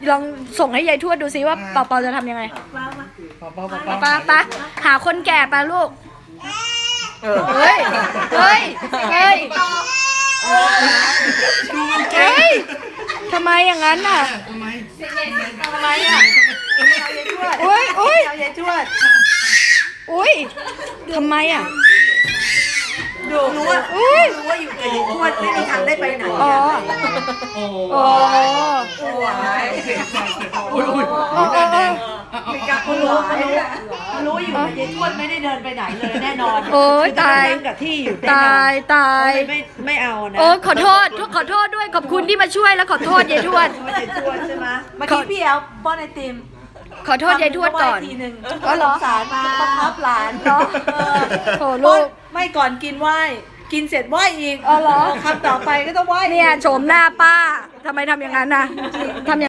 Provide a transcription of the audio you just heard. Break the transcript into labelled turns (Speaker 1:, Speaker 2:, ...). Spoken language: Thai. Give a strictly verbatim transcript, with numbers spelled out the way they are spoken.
Speaker 1: ลองส่งให้ยายทวดดูซิว่าเปาเปาจะทำยังไง
Speaker 2: ปอปอปอป
Speaker 1: ปา
Speaker 2: อ
Speaker 1: ปาปาหาคนแก่ปาลูกเฮ้ยเฮ้ยเฮ้ย
Speaker 2: ดูมันเก่
Speaker 1: เฮ้
Speaker 2: ง
Speaker 1: ยทำไมอย่างนั้นน่ะ
Speaker 2: ทำไม
Speaker 3: ทำไมอ่ะเอายายทวด
Speaker 1: อุ้ยอุ้ย
Speaker 3: เอายายทวด
Speaker 1: อุ้ยทำไมอ่ะ
Speaker 3: ดูรู้ว่า
Speaker 1: อุ้ย
Speaker 3: รู้ว่าอยู่กับยายทวดไม่มีทางได้ไปไหน
Speaker 1: อ๋อ
Speaker 2: โอ้
Speaker 1: โอ้
Speaker 3: โอ้ย
Speaker 2: อุ้ยอุ้ย
Speaker 1: โอ้โอ้โอ้
Speaker 3: มีการเขารู้เขารู้เขารู้อยู่กับยายทวดไม่ได้เดินไปไหนเลยแน่นอน
Speaker 1: โอ้ยตาย
Speaker 3: นั่งกับที่อยู่
Speaker 1: ตายตาย
Speaker 3: ไม่ไม่เอานะ
Speaker 1: โอ้ขอโทษทุกขอโทษด้วยขอบคุณที่มาช่วยแล้วขอโทษยายทวด
Speaker 3: ไม่ใช่ทวดใช่ไหมเมื่อกี้พี่เอาป้อนไอติม
Speaker 1: ขอโทษยายทวดก่อน
Speaker 3: ทีหนึ่ง
Speaker 1: อ๋อเหรอ
Speaker 3: สงสารมาบังคับหลาน
Speaker 1: เหรอ
Speaker 3: เออ
Speaker 1: โถลูก
Speaker 3: ไม่ก่อนกินไหว้กินเสร็จไหว้อีก
Speaker 1: อ๋อเหรอ
Speaker 3: คำต่อไปก็ต้องไหว้อีก
Speaker 1: เนี่ยโฉมหน้าป้าทำไมทำอย่างนั้นน่ะทำอย่าง